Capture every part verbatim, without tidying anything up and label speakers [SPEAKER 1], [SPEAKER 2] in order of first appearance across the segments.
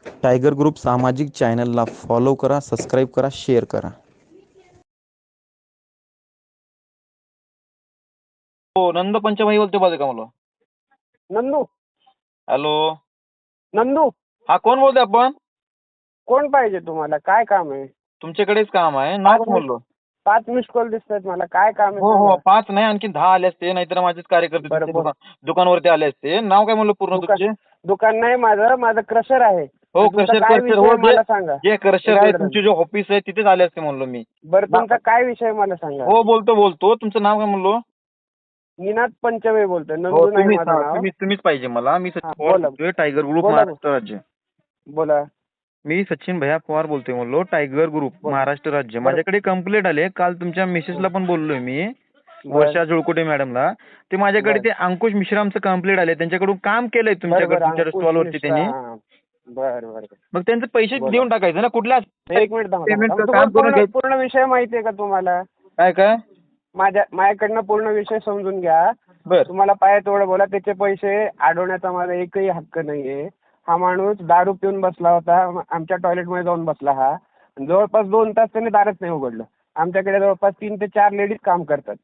[SPEAKER 1] Tiger group सामाजिक चॅनलला follow करा, सबस्क्राईब करा, शेअर करा.
[SPEAKER 2] हो, नंद पंचभाई बोलते पाहिजे का मला?
[SPEAKER 3] नंदू
[SPEAKER 2] हॅलो,
[SPEAKER 3] नंदू
[SPEAKER 2] हा कोण बोलते आपण?
[SPEAKER 3] कोण पाहिजे तुम्हाला? काय काम आहे?
[SPEAKER 2] तुमच्याकडेच काम आहे, नाव
[SPEAKER 3] पाच
[SPEAKER 2] काय
[SPEAKER 3] मिस
[SPEAKER 2] म्हणलो?
[SPEAKER 3] पाच मिस कॉल दिसतात मला. काय काम आहे
[SPEAKER 2] हो हो,
[SPEAKER 3] सांगा.
[SPEAKER 2] पाच नाही आणखी दहा आले असते, नाहीतर माझेच कार्यकर्ते
[SPEAKER 3] बरं,
[SPEAKER 2] तुमच्या
[SPEAKER 3] बोल.
[SPEAKER 2] दुकान दुकानावरती आले असते. नाव काय म्हणलो पूर्ण
[SPEAKER 3] दुकान
[SPEAKER 2] तुमचे?
[SPEAKER 3] दुकान नाही माझं माझं क्रशर आहे.
[SPEAKER 2] हो,
[SPEAKER 3] तुमचा
[SPEAKER 2] क्रशर
[SPEAKER 3] काय
[SPEAKER 2] क्रशर
[SPEAKER 3] विषय
[SPEAKER 2] हो,
[SPEAKER 3] आहे
[SPEAKER 2] जे
[SPEAKER 3] मला सांगा.
[SPEAKER 2] जे क्रशर
[SPEAKER 3] एक
[SPEAKER 2] आहे
[SPEAKER 3] मिनिट
[SPEAKER 2] तुमचे
[SPEAKER 3] राहिलं.
[SPEAKER 2] जे ऑफिस आहे तिथेच आले असते म्हणलो मी.
[SPEAKER 3] बरं, तुमचा काय विषय आहे मला सांगा.
[SPEAKER 2] हो, बोलतो बोलतो. तुमचं नाव काय म्हणलो?
[SPEAKER 3] निनाद पंचमे बोलतोय.
[SPEAKER 2] हो,
[SPEAKER 3] नंदू नाही
[SPEAKER 2] तुम्हीच
[SPEAKER 3] माझं
[SPEAKER 2] हा,
[SPEAKER 3] नाव.
[SPEAKER 2] तुम्हीच तुम्हीच पाहिजे मला. मी
[SPEAKER 3] हा,
[SPEAKER 2] सचिन पवार
[SPEAKER 3] बोला
[SPEAKER 2] बोलतोय, टायगर ग्रुप
[SPEAKER 3] बोला
[SPEAKER 2] महाराष्ट्र राज्य.
[SPEAKER 3] बोला
[SPEAKER 2] मी सचिन भैया पवार बोलतोय म्हणलो, टायगर ग्रुप
[SPEAKER 3] बोला.
[SPEAKER 2] महाराष्ट्र राज्य.
[SPEAKER 3] बरं.
[SPEAKER 2] माझ्याकडे कंप्लेंट आले. काल तुमच्या मिसेसला पण बोललोय मी,
[SPEAKER 3] बर
[SPEAKER 2] वर्षा जुळकुटे मॅडमला. ते माझ्याकडे
[SPEAKER 3] बर
[SPEAKER 2] ते अंकुश मिश्रामचं कंप्लेंट आले. त्यांच्याकडून काम केलंय
[SPEAKER 3] बरं
[SPEAKER 2] तुमच्याकडे,
[SPEAKER 3] बरं
[SPEAKER 2] तुमच्या
[SPEAKER 3] अंकुश
[SPEAKER 2] स्टॉलवरती
[SPEAKER 3] मिश्रा.
[SPEAKER 2] त्यांनी.
[SPEAKER 3] हा. बरं बरं
[SPEAKER 2] मग त्यांचे पैसे
[SPEAKER 3] बोला.
[SPEAKER 2] देऊन टाकायचं ना, कुठल्या
[SPEAKER 3] एक मिनिट थांबा थांबा
[SPEAKER 2] पेमेंटचं
[SPEAKER 3] थांबा.
[SPEAKER 2] काम
[SPEAKER 3] तुम्हाला
[SPEAKER 2] करून
[SPEAKER 3] पूर्ण
[SPEAKER 2] घ्यायचं.
[SPEAKER 3] पूर्ण विषय माहिती आहे का तुम्हाला?
[SPEAKER 2] काय काय
[SPEAKER 3] माझ्या माझ्याकडनं पूर्ण विषय समजून घ्या.
[SPEAKER 2] बर
[SPEAKER 3] तुम्हाला पाहिजे तेवढं बोला. त्याचे पैसे अडवण्याचा माझा एकही हक्क नाहीये. हा माणूस दारू पिऊन बसला होता, आमच्या टॉयलेटमध्ये जाऊन बसला. हा जवळपास दोन तास त्याने दारच नाही उघडलं. आमच्याकडे जवळपास तीन ते चार लेडीज काम करतात.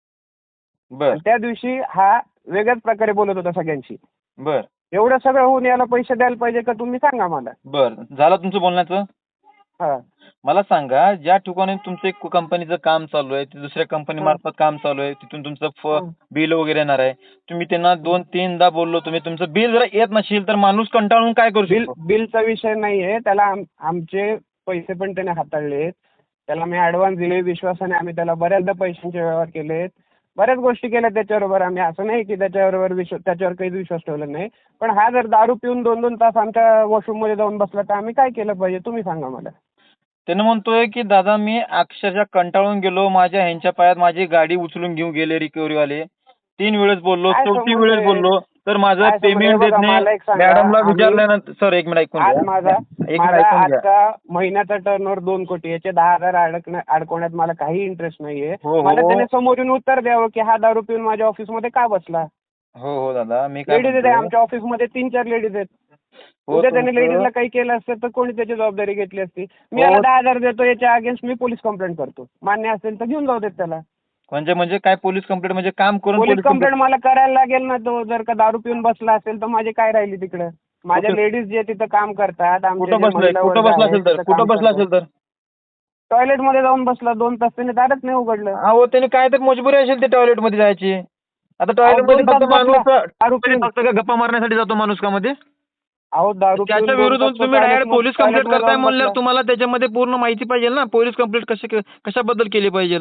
[SPEAKER 2] बर
[SPEAKER 3] आणि त्या दिवशी हा वेगळ्याच प्रकारे बोलत होता सगळ्यांशी.
[SPEAKER 2] बर
[SPEAKER 3] एवढं सगळं होऊन याला पैसे द्यायला पाहिजे का तुम्ही सांगा मला.
[SPEAKER 2] बर झालं तुमचं बोलण्याचं.
[SPEAKER 3] हा
[SPEAKER 2] मला सांगा, ज्या ठिकाणी तुमचं एक कंपनीचं काम चालू आहे, ते दुसऱ्या कंपनी मार्फत काम चालू आहे, तिथून तुमचं बिल वगैरे येणार आहे. तुम्ही त्यांना दोन तीनदा बोललो, तुम्ही तुमचं बिल जर येत नसेल तर माणूस कंटाळून काय करू
[SPEAKER 3] बिल
[SPEAKER 2] शकतो?
[SPEAKER 3] बिलचा विषय नाहीये. त्याला आम- आमचे पैसे पण त्याने हाताळलेत. त्याला मी ॲडव्हान्स दिले विश्वासाने. आम्ही त्याला बऱ्याचदा पैशांचे व्यवहार केलेत. बऱ्याच गोष्टी केल्या त्याच्याबरोबर आम्ही. असं नाही की त्याच्याबरोबर विश्वास त्याच्यावर काहीच विश्वास ठेवला नाही. पण हा जर दारू पिऊन दोन दोन तास आमच्या वॉशरूममध्ये जाऊन बसला तर आम्ही काय केलं पाहिजे तुम्ही सांगा मला.
[SPEAKER 2] त्यानं म्हणतोय की दादा मी अक्षरशः कंटाळून गेलो, माझ्या ह्यांच्या पायात माझी गाडी उचलून घेऊन गेले रिकव्हरीवाले. तीन वेळेस बोललो,
[SPEAKER 3] काय
[SPEAKER 2] चौथी
[SPEAKER 3] संबंध
[SPEAKER 2] वेळेस
[SPEAKER 3] आहे?
[SPEAKER 2] बोललो तर माझं
[SPEAKER 3] काय संबंध आहे?
[SPEAKER 2] पेमेंट देत
[SPEAKER 3] बघा,
[SPEAKER 2] नाही.
[SPEAKER 3] मला एक सांगा,
[SPEAKER 2] मॅडमला
[SPEAKER 3] आम्ही-
[SPEAKER 2] विचारल्यानंतर सर एक मिनिट ऐकून
[SPEAKER 3] आज
[SPEAKER 2] घ्या.
[SPEAKER 3] माझा
[SPEAKER 2] एक मिनिट
[SPEAKER 3] माझा
[SPEAKER 2] ऐकून घ्या.
[SPEAKER 3] आजचा महिन्याचा टर्नओव्हर दोन कोटी. याचे दहा हजार अडकण्या अडकवण्यात मला काही इंटरेस्ट नाहीये.
[SPEAKER 2] हो, हो.
[SPEAKER 3] मला त्याने समोरून उत्तर द्यावं की हा दारू पिऊन माझ्या ऑफिसमध्ये का बसला.
[SPEAKER 2] हो हो दादा, मी काय
[SPEAKER 3] लेडीज आहेत
[SPEAKER 2] म्हणतोय,
[SPEAKER 3] आमच्या ऑफिसमध्ये तीन चार लेडीज आहेत.
[SPEAKER 2] हो
[SPEAKER 3] उद्या त्याने
[SPEAKER 2] तुमचं
[SPEAKER 3] लेडीजला काही केलं असतं तर कोणी त्याची जबाबदारी घेतली असती. मी
[SPEAKER 2] हो.
[SPEAKER 3] याला दहा हजार देतो, याच्या अगेन्स्ट मी पोलीस कंप्लेंट करतो. मान्य असेल तर घेऊन जाऊ देत त्याला.
[SPEAKER 2] म्हणजे म्हणजे काय पोलीस कंप्लेंट म्हणजे काम करून
[SPEAKER 3] पोलीस
[SPEAKER 2] पोलीस
[SPEAKER 3] कंप्लेंट मला करायला लागेल ना. तो जर का दारू पिऊन बसला असेल तर माझे काय राहिली तिकडे. माझ्या
[SPEAKER 2] कुठं-
[SPEAKER 3] लेडीज जे तिथं काम करतात, आमचे
[SPEAKER 2] कुठं
[SPEAKER 3] जे
[SPEAKER 2] बसलाय
[SPEAKER 3] महिला
[SPEAKER 2] कुठं
[SPEAKER 3] वर्ग
[SPEAKER 2] बसला
[SPEAKER 3] आहे,
[SPEAKER 2] असेल तर
[SPEAKER 3] तिथं
[SPEAKER 2] कुठं
[SPEAKER 3] काम
[SPEAKER 2] बसला
[SPEAKER 3] करतात.
[SPEAKER 2] असेल तर
[SPEAKER 3] टॉयलेटमध्ये जाऊन बसला दोन तास, त्याने दारच नाही उघडलं.
[SPEAKER 2] अहो त्याने काय तर मजबुरी असेल ते टॉयलेट मध्ये जायची. आता टॉयलेट मध्ये
[SPEAKER 3] दोन तास
[SPEAKER 2] फक्त
[SPEAKER 3] बसला,
[SPEAKER 2] माणूस
[SPEAKER 3] दारू पिऊन.
[SPEAKER 2] फक्त का गप्पा मारण्यासाठी जातो माणूस का मध्ये?
[SPEAKER 3] अहो दारू पिऊन
[SPEAKER 2] त्याच्या
[SPEAKER 3] दोन
[SPEAKER 2] विरुद्ध
[SPEAKER 3] तास तो
[SPEAKER 2] तुम्ही डायरेक्ट
[SPEAKER 3] टॉयलेटमध्ये-
[SPEAKER 2] पोलीस कंप्लेंट
[SPEAKER 3] टॉयलेटमध्ये
[SPEAKER 2] करताय
[SPEAKER 3] जाऊन
[SPEAKER 2] म्हणल्यावर
[SPEAKER 3] बसला.
[SPEAKER 2] तुम्हाला त्याच्यामध्ये पूर्ण माहिती पाहिजे ना, पोलीस कंप्लेंट कशी कशाबद्दल केली पाहिजे.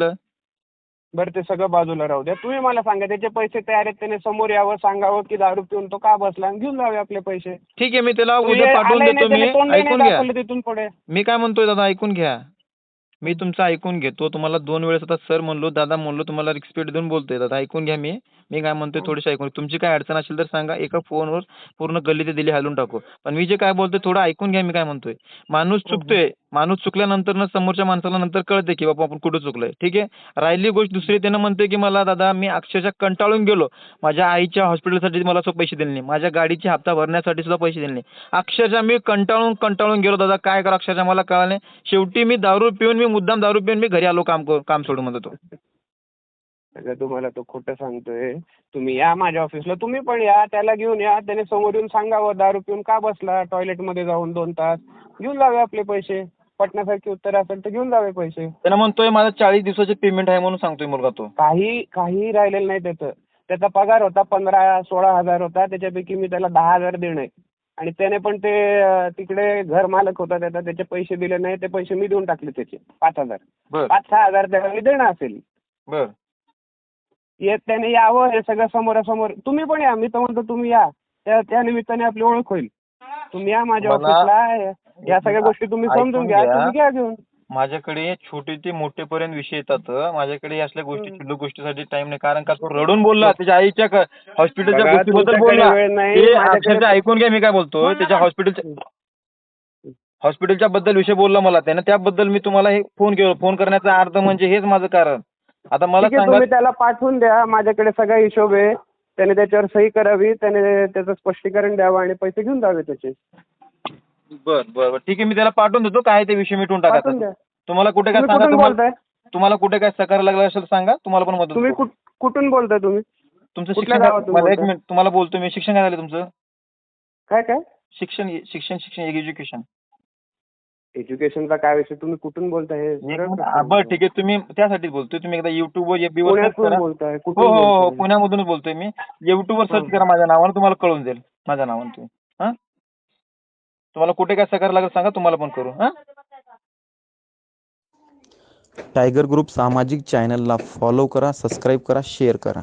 [SPEAKER 3] बरं ते सगळं बाजूला राहू द्या. तुम्ही मला सांगा त्याचे पैसे तयार आहेत, त्याने समोर यावं, सांगावं की दारू पिऊन तो का बसला आणि घेऊन जावे आपले पैसे.
[SPEAKER 2] ठीक आहे, मी त्याला
[SPEAKER 3] तुम्ही
[SPEAKER 2] उद्या पाठवून
[SPEAKER 3] आलाय
[SPEAKER 2] देतो.
[SPEAKER 3] नाही,
[SPEAKER 2] मी
[SPEAKER 3] त्याने तोंडही नाही
[SPEAKER 2] ऐकून घ्या,
[SPEAKER 3] दाखवलं तिथून पुढे.
[SPEAKER 2] मी काय म्हणतोय दादा ऐकून घ्या. मी तुमचं ऐकून घेतो. तुम्हाला दोन वेळेस आता सर म्हणलो, दादा म्हणलो, तुम्हाला रिस्पेक्ट देऊन बोलतोय. दादा ऐकून घ्या. मी मी काय म्हणतोय थोडीशी ऐकून. तुमची काय अडचण असेल तर सांगा, एका फोनवर पूर्ण गल्ली ते दिल्ली हलवून टाकू. पण मी जे काय बोलतोय थोडं ऐकून घ्या. मी काय म्हणतोय, माणूस चुकतोय. माणूस चुकल्यानंतर ना समोरच्या माणसाला नंतर कळते की बाबा आपण कुठं चुकलोय. ठीक आहे. राहिली गोष्ट दुसरी, त्यानं म्हणतोय की मला दादा मी अक्षरशः कंटाळून गेलो. माझ्या आईच्या हॉस्पिटलसाठी मला सुद्धा पैसे दिले नाही. माझ्या गाडीची हप्ता भरण्यासाठी सुद्धा पैसे दिले नाही. अक्षरशः मी कंटाळून कंटाळून गेलो दादा. काय करा अक्षरशः मला कळलं नाही. शेवटी मी दारू पिऊन मी मुद्दाम दारू पिऊन मी घरी आलो काम करून काम सोडून म्हणतो तो.
[SPEAKER 3] सगळं तुम्हाला तो खोटं सांगतोय. तुम्ही या माझ्या ऑफिसला, तुम्ही पण या, त्याला घेऊन या. त्याने समोर येऊन सांगावं दारू पिऊन का बसला टॉयलेटमध्ये जाऊन दोन तास. घेऊन जावे आपले पैसे. पटण्यासारखी उत्तर असेल तर घेऊन जावे पैसे.
[SPEAKER 2] त्यानं म्हणतोय माझा चाळीस दिवसाचे पेमेंट आहे म्हणून सांगतोय मुलगा तो.
[SPEAKER 3] काही काही राहिलेलं नाही त्याचं. त्याचा पगार होता पंधरा सोळा हजार होता. त्याच्यापैकी मी त्याला दहा हजार देणं आहे. आणि त्याने पण ते अं, तिकडे घर मालक होता त्याचा, त्याचे पैसे दिले नाही. ते पैसे मी देऊन टाकले त्याचे पाच हजार
[SPEAKER 2] बर
[SPEAKER 3] पाच सहा हजार त्याला मी देणं असेल.
[SPEAKER 2] बर
[SPEAKER 3] येत त्याने यावं, हे सगळं समोरासमोर. तुम्ही पण या. मी तर म्हणतो तुम्ही या. त्या त्या निमित्ताने आपली ओळख होईल. तुम्ही या माझ्या
[SPEAKER 2] मला-
[SPEAKER 3] ऑफिसला. या सगळ्या गोष्टी तुम्ही
[SPEAKER 2] ऐकून
[SPEAKER 3] समजून घ्या.
[SPEAKER 2] घ्या.
[SPEAKER 3] तुम्ही घ्या घेऊन.
[SPEAKER 2] माझ्याकडे छोटे ते मोठेपर्यंत विषय येतात. माझ्याकडे असल्या गोष्टी शिल्लक गोष्टीसाठी टाइम नाही. कारण का तो रडून बोलला त्याच्या आईच्या हॉस्पिटलच्या
[SPEAKER 3] बघा,
[SPEAKER 2] गोष्टीबद्दल
[SPEAKER 3] तुमच्याकडे
[SPEAKER 2] बोलला.
[SPEAKER 3] वेळ नाही,
[SPEAKER 2] ते
[SPEAKER 3] माझ्याकडे-
[SPEAKER 2] अक्षरशः ऐकून घ्या. मी काय बोलतोय त्याच्या हॉस्पिटलच्या हॉस्पिटलच्या बद्दल विषय बोलला मला त्यानं. त्याबद्दल मी तुम्हाला हे फोन केला. फोन करण्याचा अर्थ म्हणजे हेच माझं कारण. आता मला
[SPEAKER 3] ठीक आहे,
[SPEAKER 2] सांगा,
[SPEAKER 3] तुम्ही त्याला पाठवून द्या. माझ्याकडे सगळा हिशोब आहे. त्याने त्याच्यावर सही करावी. त्याने त्याचं स्पष्टीकरण द्यावं आणि पैसे घेऊन जावे त्याचे.
[SPEAKER 2] बर बर बर ठीक आहे, मी त्याला पाठवून देतो. काय ते विषय मिटून टाका.
[SPEAKER 3] पाठवून द्या.
[SPEAKER 2] तुम्हाला कुठे काय
[SPEAKER 3] तुम्ही
[SPEAKER 2] सांगा,
[SPEAKER 3] कुठून
[SPEAKER 2] तुम्हाला
[SPEAKER 3] बोलताय?
[SPEAKER 2] तुम्हाला कुठे काय सहकार्य लागलं असेल सांगा, तुम्हाला पण मदत
[SPEAKER 3] तुम्ही
[SPEAKER 2] करू.
[SPEAKER 3] कुठ- कुठून बोलताय तुम्ही?
[SPEAKER 2] तुमचं
[SPEAKER 3] कुठल्या
[SPEAKER 2] शिक्षण काय-
[SPEAKER 3] गावातून
[SPEAKER 2] मला एक
[SPEAKER 3] बोलताय?
[SPEAKER 2] मिनिट तुम्हाला बोलतो मी. शिक्षण काय झालं तुमचं?
[SPEAKER 3] काय काय
[SPEAKER 2] शिक्षण शिक्षण शिक्षण एज्युकेशन.
[SPEAKER 3] एज्युकेशनचा काय विषय? तुम्ही कुठून बोलताय हे सरळ प्रश्न
[SPEAKER 2] बरं
[SPEAKER 3] आहे.
[SPEAKER 2] ठीक आहे, तुम्ही त्यासाठीच बोलतोय. तुम्ही एकदा युट्यूब वर एफबी वर सर्च
[SPEAKER 3] पुण्यातून
[SPEAKER 2] करा.
[SPEAKER 3] बोलताय?
[SPEAKER 2] हो
[SPEAKER 3] कुठून
[SPEAKER 2] हो हो
[SPEAKER 3] बोलताय?
[SPEAKER 2] पुण्यामधूनच बोलतोय मी. युट्यूब वर सर्च
[SPEAKER 3] हं.
[SPEAKER 2] करा माझ्या नावानं, तुम्हाला कळून जाईल माझ्या नावानं. तुम्ही हा तुम्हाला कुठे काय सहकार्य लागेल सांगा, तुम्हाला पण करू. हा
[SPEAKER 1] टायगर ग्रुप सामाजिक चॅनलला फॉलो करा, सबस्क्राईब करा, शेअर करा.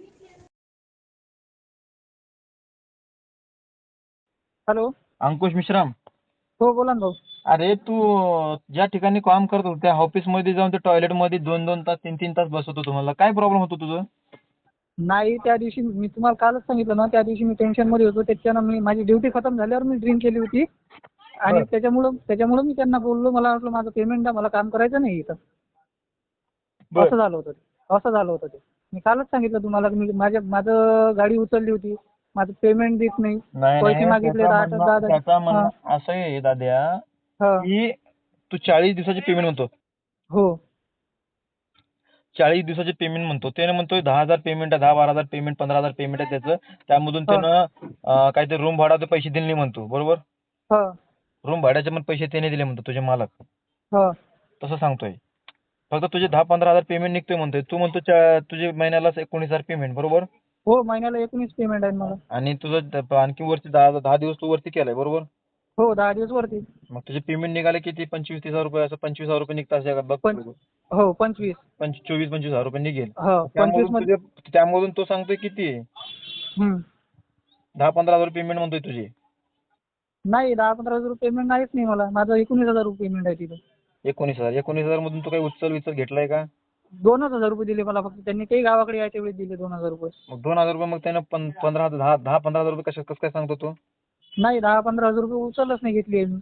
[SPEAKER 3] हॅलो.
[SPEAKER 2] अंकुश मिश्राम,
[SPEAKER 3] हो बोला ना भाऊ.
[SPEAKER 2] अरे तू ज्या ठिकाणी काम करत होता त्या ऑफिस मध्ये जाऊन ते टॉयलेट मध्ये दोन दोन तास तीन तीन तास बसवतो, तुम्हाला काय प्रॉब्लेम होतो तुझं?
[SPEAKER 4] नाही, त्या दिवशी मी तुम्हाला कालच सांगितलं ना, त्या दिवशी मी टेन्शन मध्ये होतो. त्याच्यानं मी माझी ड्युटी खतम झाल्यावर मी ड्रिंक केली होती आणि
[SPEAKER 2] बरं.
[SPEAKER 4] त्याच्यामुळं त्याच्यामुळं मी त्यांना बोललो, मला वाटलं माझं पेमेंट द्या, मला काम करायचं नाही इथं.
[SPEAKER 2] बरं.
[SPEAKER 4] असं झालं होतं ते असं झालं होतं ते मी कालच सांगितलं तुम्हाला की मी माझ्या माझं गाडी उचलली होती, माझं पेमेंट देत नाही,
[SPEAKER 2] नाही
[SPEAKER 4] पैसे
[SPEAKER 2] नाही,
[SPEAKER 4] मागितले
[SPEAKER 2] त्याचं
[SPEAKER 4] आठ
[SPEAKER 2] म्हणणं
[SPEAKER 4] दहा दहा
[SPEAKER 2] त्याचं
[SPEAKER 4] हा
[SPEAKER 2] म्हणणं असं आहे दाद्या,
[SPEAKER 4] हा
[SPEAKER 2] की तू चाळीस दिवसाचे पेमेंट म्हणतो.
[SPEAKER 4] हो
[SPEAKER 2] चाळीस दिवसाचे पेमेंट म्हणतो, त्याने म्हणतोय दहा हजार पेमेंट आहे, दहा बारा हजार पेमेंट, पंधरा हजार पेमेंट आहे त्याचं. त्यामधून
[SPEAKER 4] हा
[SPEAKER 2] त्यानं अं, काहीतरी रूम भाड्याचे पैसे दिले नाही म्हणतो, बरोबर?
[SPEAKER 4] हा
[SPEAKER 2] रूम भाड्याचे पण पैसे त्याने दिले म्हणतो, तुझे मालक.
[SPEAKER 4] हा
[SPEAKER 2] तसं सांगतोय. फक्त तुझे दहा पंधरा हजार पेमेंट निघतोय म्हणतोय. तू म्हणतो चा- तुझे महिन्याला एकोणीस हजार पेमेंट, बरोबर?
[SPEAKER 4] हो महिन्याला एकोणीस पेमेंट आहे मला.
[SPEAKER 2] आणि तुझं द- आणखी वरती दहा दहा दिवस तू वरती केलाय, बरोबर?
[SPEAKER 4] हो दहा दिवस वरती.
[SPEAKER 2] मग तुझे पेमेंट निघाले किती? पंचवीस तीस हजार रुपये, असं पंचवीस हजार रुपये निघतात असे बघ.
[SPEAKER 4] पंच हो पंचवीस
[SPEAKER 2] पंच चोवीस पंचवीस हजार रुपये निघेल.
[SPEAKER 4] हो पंचवीस
[SPEAKER 2] त्यामधून
[SPEAKER 4] मध्ये.
[SPEAKER 2] तुझे त्यामधून तो सांगतोय किती?
[SPEAKER 4] हम्म.
[SPEAKER 2] दहा पंधरा हजार पेमेंट म्हणतोय तुझे.
[SPEAKER 4] नाही, दहा पंधरा हजार रुपये पेमेंट नाहीच नाही मला. माझं एकोणीस हजार रुपये पेमेंट आहे तिथं.
[SPEAKER 2] एकोणीस हजार एकोणीस हजार मधून तू काही उचल विचल घेतलाय का?
[SPEAKER 4] दोनच हजार रुपये दिले मला फक्त. त्यांनी काही गावाकडे यायच्या वेळेस दिले दोन हजार रुपये.
[SPEAKER 2] मग दोन हजार रुपये मग त्यानं पं- पंधरा हजार दहा दहा पंधरा हजार रुपये कसं कसं काय सांगतो तू?
[SPEAKER 4] नाही, दहा पंधरा हजार रुपये उचलच नाही घेतली आहे मी.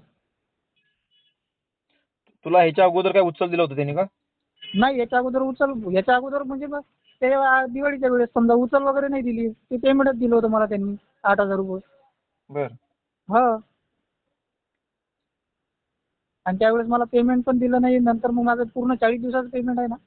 [SPEAKER 2] तुला ह्याच्या अगोदर काय उचल दिलं होतं त्यांनी का?
[SPEAKER 4] नाही, याच्या अगोदर उचल याच्या अगोदर म्हणजे मग ते आ- दिवाळीच्या वेळेस समजा उचल वगैरे नाही दिली. ते पेमेंटच दिलं होतं मला त्यांनी आठ हजार रुपये.
[SPEAKER 2] बर
[SPEAKER 4] हा. आणि त्यावेळेस मला पेमेंट पण दिलं नाही. नंतर मग माझं पूर्ण चाळीस दिवसाचं पेमेंट आहे ना.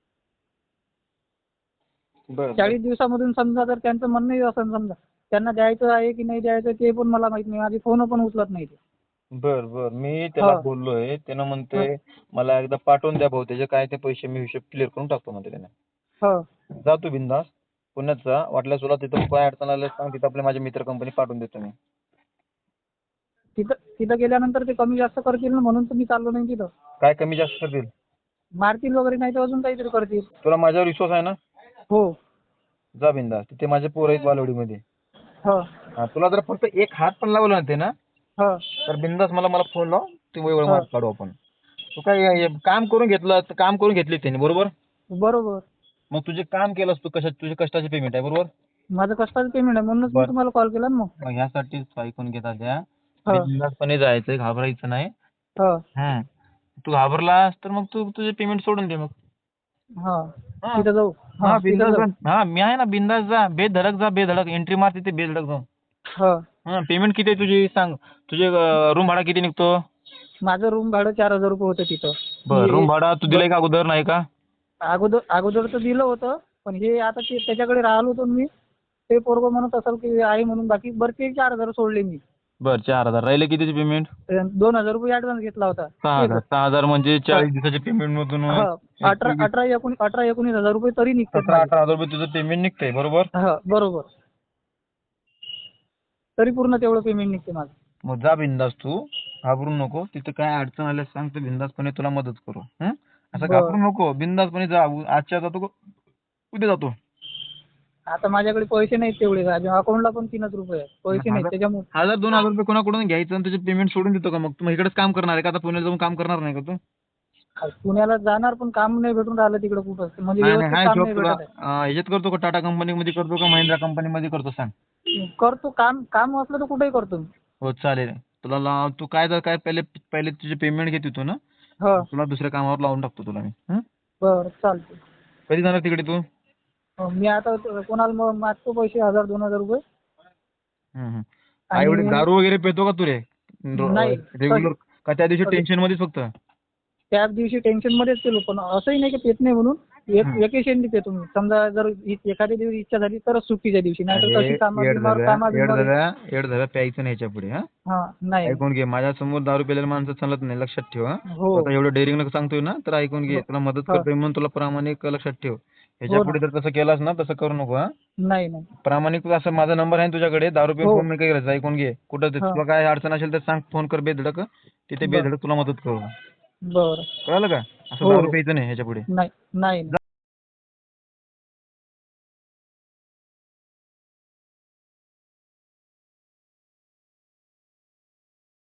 [SPEAKER 2] बर
[SPEAKER 4] चाळीस दिवसामधून समजा जर त्यांचं म्हणणंही असं समजा त्यांना द्यायचं आहे की नाही द्यायचं ते पण मला माहित नाही. माझी फोन पण उचलत नाही ते.
[SPEAKER 2] बर बर मी त्याला
[SPEAKER 4] हा.
[SPEAKER 2] बोललोय, त्यानं म्हणतोय मला एकदा पाठवून द्या भाऊ, त्याचे काय ते पैसे मी हिशोब क्लिअर करून टाकतो म्हणते त्याने.
[SPEAKER 4] हो
[SPEAKER 2] जा तू बिंदास पुण्यात जा, वाटल्यास तुला तिथं काय अडचण आलं सांग, तिथं आपल्या माझ्या मित्र कंपनी पाठवून देतो मी.
[SPEAKER 4] तिथं तिथं गेल्यानंतर ते कमी जास्त करतील ना, म्हणून तर मी चाललो नाही तिथं.
[SPEAKER 2] काय कमी जास्त करतील?
[SPEAKER 4] मारतील वगैरे नाही तर अजून काहीतरी करतील.
[SPEAKER 2] तुला माझ्यावर विश्वास आहे ना?
[SPEAKER 4] हो
[SPEAKER 2] जा बिंदास, तिथे माझे पोरं आहेत बालवडीमध्ये.
[SPEAKER 4] हो
[SPEAKER 2] हा, तुला जर फक्त एक हात पण लावला ना ते ना,
[SPEAKER 4] हो
[SPEAKER 2] तर बिंदास मला मला फोन लाव, ते वेळ
[SPEAKER 4] हा.
[SPEAKER 2] मार्क काढू आपण. तू काय हे काम करून घेतलं काम करून घेतले त्यांनी, बरोबर?
[SPEAKER 4] बरोबर.
[SPEAKER 2] मग तुझे काम केलंस तू, कशा तुझे कष्टाचे पेमेंट आहे, बरोबर?
[SPEAKER 4] माझं कष्टाचं पेमेंट आहे म्हणूनच मी
[SPEAKER 2] बरं.
[SPEAKER 4] तुम्हाला कॉल केला ना मग.
[SPEAKER 2] मग ह्यासाठीच ऐकून घेतात द्या,
[SPEAKER 4] हा.
[SPEAKER 2] बिनधास्तपणे जायचं, घाबरायचं नाही.
[SPEAKER 4] हा
[SPEAKER 2] हम्म. तू घाबरलास तर मग तू तुझे पेमेंट सोडून दे मग.
[SPEAKER 4] हा
[SPEAKER 2] हा.
[SPEAKER 4] तिथं जाऊ.
[SPEAKER 2] हा
[SPEAKER 4] हा तिथं
[SPEAKER 2] बिंदास
[SPEAKER 4] जाऊ.
[SPEAKER 2] जा. हा मी आहे ना, बिंदास जा, बेधडक जा, बेधडक एंट्री मार तिथे, बेधडक जाऊ.
[SPEAKER 4] हा.
[SPEAKER 2] हा पेमेंट किती आहे तुझी सांग, तुझे रूम भाडा किती निघतो?
[SPEAKER 4] माझं रूम भाडं चार हजार रुपये होतं तिथं.
[SPEAKER 2] बर
[SPEAKER 4] हे-
[SPEAKER 2] रूम भाडा तू दिलाय का अगोदर, नाही का?
[SPEAKER 4] अगोदर अगोदरचं दिलं होतं, पण हे आता ते त्याच्याकडे राहिलो होतो मी. ते पोरगं म्हणत असेल की आहे म्हणून, बाकी बरं ते चार हजार सोडले मी.
[SPEAKER 2] बर चार हजार राहिले कितीचे पेमेंट?
[SPEAKER 4] अं, दोन हजार रुपये ऍडव्हान्स घेतला होता.
[SPEAKER 2] सहा हजार सहा हजार म्हणजे चाळीस दिवसाचे पेमेंट मधून
[SPEAKER 4] हा. अठरा अठरा एकोणीस अठरा एकोणीस हजार रुपये तरी निघतात
[SPEAKER 2] सतरा
[SPEAKER 4] माझे.
[SPEAKER 2] अठरा हजार रुपये तुझं पेमेंट निघतंय, बरोबर?
[SPEAKER 4] हा बरोबर. तरी पूर्ण तेवढं पेमेंट निघते माझं.
[SPEAKER 2] मग जा बिंदास, तू घाबरू नको. तिथं काय अडचण आल्यास सांग, तर बिंदासपणे तुला मदत करू. हं? असं
[SPEAKER 4] बरं.
[SPEAKER 2] घाबरू नको, बिंदासपणे जा. उ- आजच्या जातो का उद्या जातो?
[SPEAKER 4] आता माझ्याकडे पैसे नाहीत तेवढे. अकाउंटला पण तीनच रुपये आहेत. पैसे नाहीत
[SPEAKER 2] हजार-
[SPEAKER 4] त्याच्यामुळे.
[SPEAKER 2] हजार दोन हजार रुपये कोणाकडून घ्यायचं आणि तुझे पेमेंट सोडून देतो का? मग तू इकडेच काम करणार आहे का? आता पुण्याला जाऊन काम करणार नाही का तू?
[SPEAKER 4] पुण्याला जाणार पण काम नाही भेटून राहिलं तिकडे कुठं. म्हणजे
[SPEAKER 2] नाही नाही,
[SPEAKER 4] व्यवस्थित
[SPEAKER 2] हाय
[SPEAKER 4] काम
[SPEAKER 2] जॉब
[SPEAKER 4] नाही
[SPEAKER 2] तुला
[SPEAKER 4] भेटत
[SPEAKER 2] अं, ह्याच्यात करतो का? टाटा कंपनीमध्ये करतो का? महिंद्रा कंपनीमध्ये करतो सांग?
[SPEAKER 4] आहे. करतो काम. काम असलं तर कुठेही करतो मी.
[SPEAKER 2] हो चालेल. तुला लाव, तू काय जर काय पहिले पहिले तुझे पेमेंट घेत होतो ना,
[SPEAKER 4] हो
[SPEAKER 2] तुला दुसऱ्या कामावर लावून टाकतो तुला मी. हं?
[SPEAKER 4] बरं चालते.
[SPEAKER 2] कधी जाणार तिकडे तू?
[SPEAKER 4] मी आता त- कोणाला मग मागतो पैसे हजार दोन हजार रुपये.
[SPEAKER 2] हं, हं.
[SPEAKER 4] आणि-
[SPEAKER 2] एवढे दारू वगैरे पितो का तू रे?
[SPEAKER 4] नाही.
[SPEAKER 2] रेग्युलर का त्या दिवशी टेन्शन मध्येच फक्त?
[SPEAKER 4] त्याच दिवशी टेन्शन मध्येच केलो, पण असंही नाही की पेत नाही म्हणून. एक
[SPEAKER 2] हं.
[SPEAKER 4] वेकेशनली पेतो मी. समजा जर इ- एखाद्या दिवशी इच्छा झाली तरच सुट्टीच्या दिवशी, नाहीतर
[SPEAKER 2] अरे
[SPEAKER 4] तशी कामा
[SPEAKER 2] येड
[SPEAKER 4] बिमार
[SPEAKER 2] झालं
[SPEAKER 4] कामा
[SPEAKER 2] येड
[SPEAKER 4] बिमार
[SPEAKER 2] झालं येड झालं प्यायचं नाही याच्या पुढे. हा
[SPEAKER 4] हा नाही.
[SPEAKER 2] ऐकून घे, माझ्यासमोर दारू पिलेल्या माणसं चालत नाही, लक्षात ठेव. हा
[SPEAKER 4] हो.
[SPEAKER 2] आता एवढं डेअरिंग सांगतोय ना, तर ऐकून घे.
[SPEAKER 4] हो.
[SPEAKER 2] तुला मदत
[SPEAKER 4] हा.
[SPEAKER 2] करतोय म्हणून तुला प्रामाणिक लक्षात ठेव. ह्याच्या
[SPEAKER 4] हो ना.
[SPEAKER 2] पुढे जर तसं केलास ना, तसं करू नको. हा
[SPEAKER 4] नाही नाही.
[SPEAKER 2] प्रामाणिक असं माझा नंबर आहे ना तुझ्याकडे, दारू पिऊन
[SPEAKER 4] हो.
[SPEAKER 2] फोन नाही करायचा. ऐकून घे. कुठं ते
[SPEAKER 4] हा.
[SPEAKER 2] तुला काय अडचण असेल तर सांग, फोन कर बेधडक. तिथे
[SPEAKER 4] बर
[SPEAKER 2] बेधडक तुला मदत करू.
[SPEAKER 4] बरं.
[SPEAKER 2] कळलं का? असं
[SPEAKER 4] हो
[SPEAKER 2] दारू
[SPEAKER 4] हो.
[SPEAKER 2] प्यायचं नाही ह्याच्या पुढे.
[SPEAKER 4] नाही नाही.